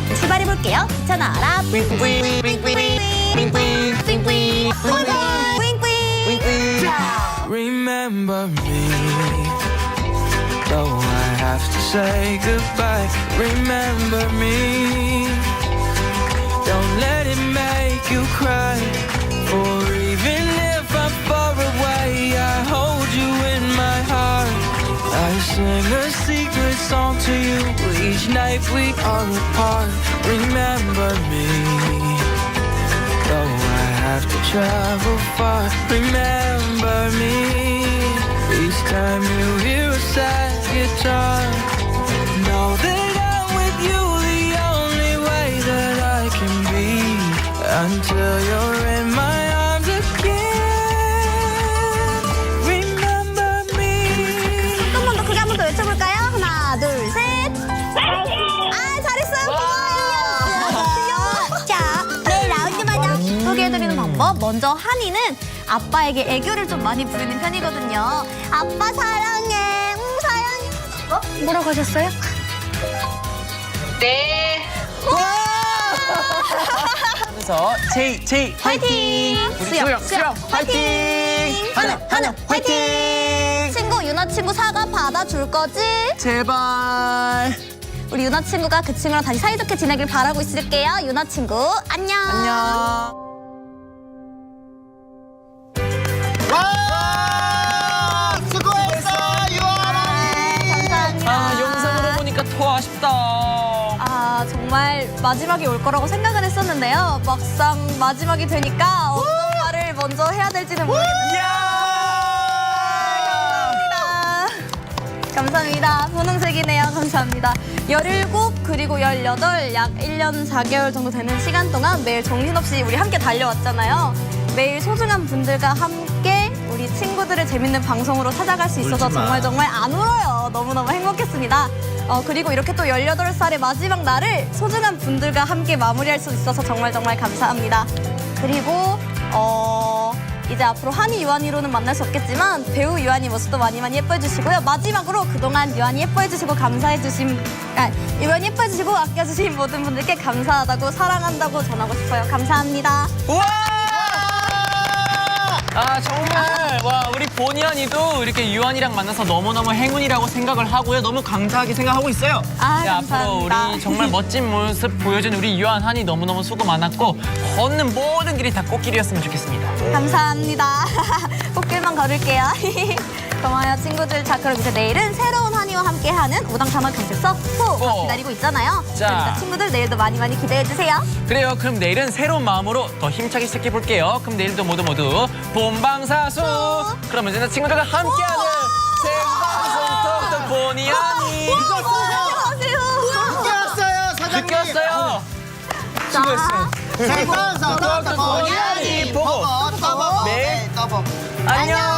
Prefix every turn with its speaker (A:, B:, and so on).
A: 출발해볼게요. 귀찮아라.
B: Remember me, though I have to say goodbye. Remember me, don't let it make you cry. For even if I'm far away, I hold you in my heart. I sing a secret song to you each night we are apart. Remember me, though I have to travel far. Remember me, each time you hear a sad guitar. Know that I'm with you the only way that I can be, until you're in my arms again. Remember me.
A: 조금만 더 크게 한 번 더 외쳐볼까요? 하나, 둘, 셋. 아, 잘했어요. 귀여워. 자, 네, 라운드마다 소개해드리는 방법. 먼저 한이는 아빠에게 애교를 좀 많이 부리는 편이거든요. 아빠 사랑해. 사랑해. 뭐라고 하셨어요?
C: 네.
D: 그래서 제이
A: 화이팅! 수영 화이팅! 하나 화이팅! 친구 유나 친구 사과 받아줄 거지?
D: 제발.
A: 우리 유나 친구가 그 친구랑 다시 사이좋게 지내길 바라고 있을게요. 유나 친구 안녕.
D: 안녕.
E: 와! 수고했어, 유아라!
A: 감사합니다.
D: 아, 영상으로 보니까 더 아쉽다.
A: 아, 정말 마지막이 올 거라고 생각은 했었는데요. 막상 마지막이 되니까 어떤 말을 먼저 해야 될지는 모르겠는데. 감사합니다. 분홍색이네요. 감사합니다. 17 그리고 18 약 1년 4개월 정도 되는 시간 동안 매일 정신없이 우리 함께 달려왔잖아요. 매일 소중한 분들과 함께 우리 친구들의 재밌는 방송으로 찾아갈 수 있어서 정말 안 울어요. 너무너무 행복했습니다. 그리고 이렇게 또 18살의 마지막 날을 소중한 분들과 함께 마무리할 수 있어서 정말 감사합니다. 그리고 이제 앞으로 한이 유한이로는 만날 수 없겠지만 배우 유한이 모습도 많이 예뻐해 주시고요. 마지막으로 그동안 유한이 예뻐해 주시고 유한이 예뻐해 주시고 아껴주신 모든 분들께 감사하다고 사랑한다고 전하고 싶어요. 감사합니다.
D: 우와! 아, 정말 와, 우리 보니언이도 이렇게 유한이랑 만나서 너무너무 행운이라고 생각을 하고요. 너무 감사하게 생각하고 있어요.
A: 아,
D: 네, 앞으로
A: 감사합니다.
D: 우리 정말 멋진 모습 보여준 우리 유한, 한이 너무너무 수고 많았고 걷는 모든 길이 다 꽃길이었으면 좋겠습니다.
A: 감사합니다. 꽃길만 걸을게요. 고마워요, 친구들. 자, 그럼 이제 내일은 새로운 한이와 함께하는 오당탕탕 경찰서 4가 기다리고 있잖아요.
D: 자.
A: 그러니까 친구들 내일도 많이 기대해주세요.
D: 그래요. 그럼 내일은 새로운 마음으로 더 힘차게 시작해볼게요. 그럼 내일도 모두 본방사수. 그러면 이제 친구들과 함께하는 생방송 톡톡 보니언이.
A: 안녕하세요.
E: 늦게 왔어요, 사장님!
D: 늦게 왔어요. 수고했어요.
E: 생방송
D: 톡톡 보니
E: 보니
D: 보고
E: 보고
D: 내일
E: 네, 떠보.
D: 안녕.